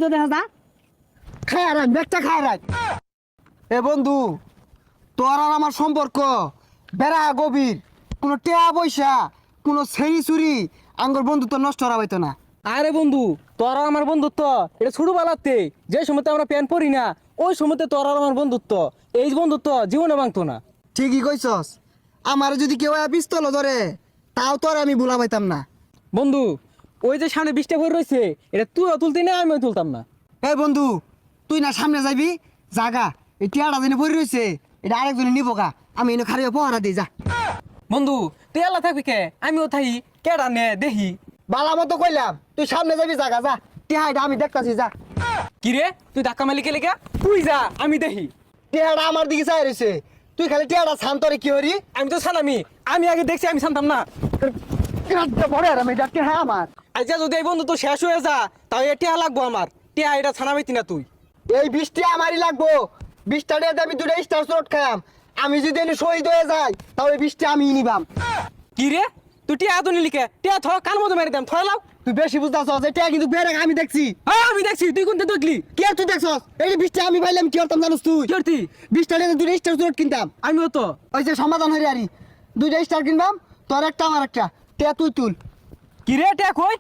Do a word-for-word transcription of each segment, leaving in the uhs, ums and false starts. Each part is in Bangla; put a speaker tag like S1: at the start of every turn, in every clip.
S1: তো দেখা যা
S2: খায় রাখ ব্যাগটা খায় রাখ। এ বন্ধু, তোর আর আমার সম্পর্ক বেড়া গভীর। কোনো টেয়া পয়সা, কোনো ছেড়ি চুরি আঙ্গর বন্ধুত্ব নষ্ট করা হইতো না।
S3: আরে বন্ধু, তোর আর আমার বন্ধুত্ব এটা ছোটবেলাতে যে সময়তে আমরা প্যান্ট পরি না ওই সময়তে তোর আর আমার বন্ধুত্ব, এই বন্ধুত্ব জীবনে ভাঙতো না।
S2: ঠিকই কইছস। আমার যদি কেউ পিস্তল ধরে তাও তোর আমি ভুলা পাইতাম না।
S3: বন্ধু, ওই যে সামনে বৃষ্টি পড়ে রয়েছে এটা তুইও তুলতি না আমিও তুলতাম না।
S2: এই বন্ধু, তুই না সামনে যাবি জাগা, এই টিয়াটা দিনে পড়ে রয়েছে, এটা আরেকজনে নিব গা, আমি এনে খারিয়ে পহারা দিই যা।
S3: বন্ধু তুই আল্লাহ থাকবি কে, আমিও থাকি কেডা নে দেখি।
S2: বালা মতো কইলাম তুই সামনে যাবি জাগা যা, টিহাটা আমি দেখতাছি যা।
S3: কি রে তুই ধাক্কা মালিকে লেগে তুই যা আমি দেখি।
S2: টিহাটা আমার দিকে চাই রয়েছে, তুই খালি টিহাটা শান্তরে কি হরি।
S3: আমি তো ছানামি, আমি আগে দেখছি আমি জানতাম না।
S2: পরে আর আমি ডাক্তার হ্যাঁ আমার
S3: আচ্ছা যদি এই বন্ধু তো শেষ হয়ে যা তাহলে টিয়া লাগবো আমার, টিয়া এটা ছানা পাইতি না তুই।
S2: এই বৃষ্টি আমারই লাগবো। বৃষ্টিটা দিয়ে আমি দুটো স্টার শট খাম। আমি যদি এনে শহীদ হয়ে যাই তাহলে বৃষ্টি আমি নিবাম।
S3: কি রে তুই টিয়া তো নিলিকে, টিয়া থ কান মতো মেরে দাম থয় লাও।
S2: তুই বেশি বুঝতেছ, এটা কিন্তু বেড়ে আমি দেখছি।
S3: হ্যাঁ আমি দেখছি, তুই কোনটা দেখলি?
S2: কি আর তুই দেখছস? এই যে বৃষ্টি আমি পাইলাম কি করতাম জানোস তুই?
S3: কি করতি?
S2: বৃষ্টিটা দিয়ে দুটো স্টার শট কিনতাম।
S3: আমিও তো
S2: ওই যে সমাধান হয়ে আরি দুইটা স্টার কিনবাম, তোর একটা আমার একটা। টিয়া তুই তুল।
S3: কি রে টিয়া কই?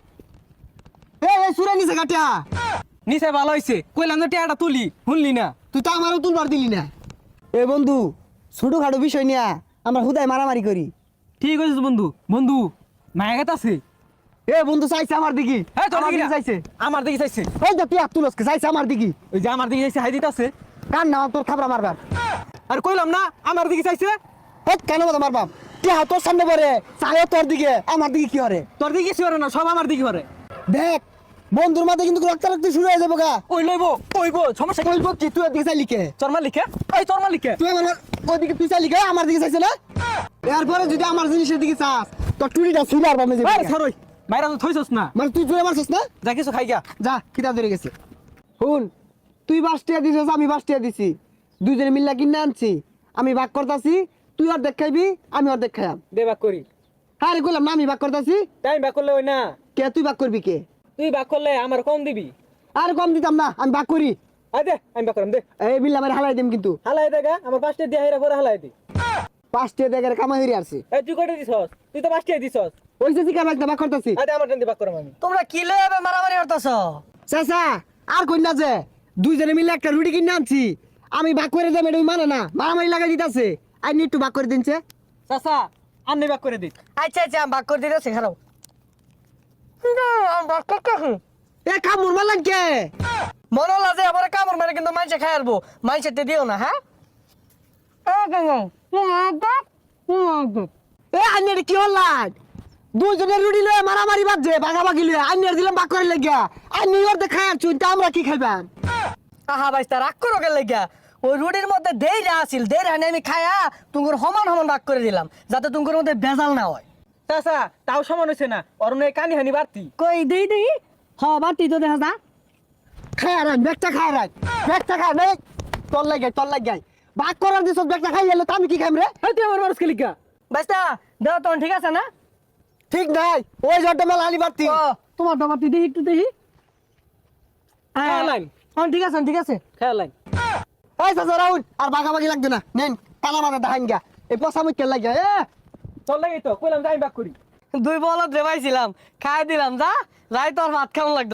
S2: এই এই সুরে নিছে কাটিয়া।
S3: নিচে ভালো হয়েছে, কইলাম তো টিয়াটা তুলি শুনলি না।
S2: তুই তো আমারও তুলবার দিলি না। এ বন্ধু, ছোটখাটো বিষয় নিয়ে আমরা হুদায় মারামারি করি।
S3: ঠিক আছে বন্ধু, বন্ধু মায়া গেত আছে।
S2: এ বন্ধু চাইছে আমার দিকে।
S3: হ্যাঁ তোর
S2: আমার
S3: দিকে
S2: দিকে চাইছে।
S3: আমার দিকে চাইছে।
S2: এই যে তুই তুলসকে চাইছে আমার দিকে।
S3: ওই যে আমার দিকে চাইছে হাই দিতে আছে।
S2: কার নাম তোর খাবরা মারবার?
S3: আর কইলাম না আমার দিকে চাইছে।
S2: হেট কেন মতো মারবাম? টিয়া তোর সামনে পড়ে চাই তোর দিকে, আমার দিকে কি হরে?
S3: তোর দিকে কিছু করে না, সব আমার দিকে করে।
S2: দেখ বন্ধুর মাঝে কিন্তু রক্তারক্তি শুরু হয়ে যাবো গা।
S3: ওই লইব ওইব সমস্যা কি?
S2: বলবো কি তুই ওর দিকে চাইলি কে?
S3: চরমা লিখে ওই চরমা লিখে
S2: তুই আমার ওদিকে তুই চাইলি কে? আমার দিকে চাইছে না? এরপরে যদি আমার জিনিসের দিকে চাস তোর টুরিটা ছুড়ে আর বামে
S3: আরে
S2: যাবে।
S3: সরই মাইরা তো থইছস না,
S2: মানে তুই জোরে মারছিস না?
S3: যা কিছু খাই গা।
S2: যা কিতাব ধরে গেছে। শুন, তুই বাস টিয়া দিছিস, আমি বাস টিয়া দিছি, দুইজনে মিল্লা কিনে আনছি। আমি ভাগ করতাছি, তুই আর দেখাইবি, আমি আর দেখাইম।
S3: দে বাক করি।
S2: হ্যাঁ রে কইলাম না আমি ভাগ করতাছি।
S3: তাই বাক করলে ওই না,
S2: কে তুই ভাগ করবি কে?
S3: তুই বাক করলে আমার কম দিবি।
S2: আর কম দিতাম না, আমি ভাগ করি।
S3: আয় দে আমি বাক করাম দে।
S2: এই মিল্লা আমার হালাই দিম কিন্তু।
S3: হালাই দেখা আমার পাঁচটা দিয়া হেরা করে হালাই দি।
S2: পাঁচ টিয়া দেখে কামাই হইরে আসছে।
S3: এই তুই কয়টা দিছস? তুই তো পাঁচটাই দিছস।
S2: ওই যে জিকা ভাগ ভাগ করতাছি।
S3: আয় দে আমার টান দি বাক করাম আমি।
S1: তোমরা কি লয়ে মারামারি করতেছ?
S2: চাচা আর কই না যে দুইজনে মিলে একটা রুটি কিনে আনছি, আমি ভাগ করে দেব, এটা মানে না, মারামারি লাগাই দিতাছে। আই নি একটু ভাগ করে দিনছে।
S3: চাচা আন্নি বাক করে দি।
S1: আচ্ছা আচ্ছা আমি ভাগ করে দিতেছি, খারাপ ভাগ করতেছি।
S2: এ কামড় মারলেন কে?
S1: মনে হলো যে আবার কামড় মেরে কিন্তু মাইসে খাই আলবো, মাইসেতে দিও না। হ্যাঁ
S2: এ আন্নের কি হল্লান? দুইজনের রুটি লয়ে মারামারি বাজছে, ভাগাভাগি লয়ে আন্নের দিলাম ভাগ করে লেগিয়া। আন্নি ওর দেখায় আর চুনটা আমরা কি খাইবাম?
S1: আহা বাইস্তা রাগ করো কে লেগা? ওই রুটির মধ্যে দেইরা আছিল, দেইরা হানি আমি খায়া তুঙ্গুর সমান সমান ভাগ করে দিলাম, যাতে তুঙ্গুর মধ্যে ভেজাল না হয়।
S3: চাচা তাও সমান হইছে না, অরুণ কানি হানি বাড়তি।
S1: কই দেই দেই হ বাতি তো দেখা যা।
S2: খায় আর ব্যাগটা খায় আর ব্যাগটা খায় নে, তোর লাগে তোর লাগে ভাগ করার দিছ, ব্যাগটা খাই এলো, আমি কি খাইম রে?
S3: এই তুই আমার মানুষ লিখা।
S1: বাইস্তা দেও তখন ঠিক আছে না?
S2: ঠিক নাই, ওই জটটা মেলা আনি বাড়তি।
S1: ও তোমার তো বাতি দেই একটু দেই।
S3: খেয়া লাইন
S1: হ্যাঁ ঠিক আছে ঠিক আছে।
S3: খেয়া লাইন।
S2: এই চাচা রাউন আর ভাগাভাগি লাগবে না, নেন কালা মাথা দেখাইন গা, এই পচা মুখের লাগে। এ
S3: তোর লাগেই তো কইলাম যাই বাক করি।
S1: দুই বলদ রেবাইছিলাম, খাই দিলাম, যা যাই তোর ভাত খাওয়া লাগবে।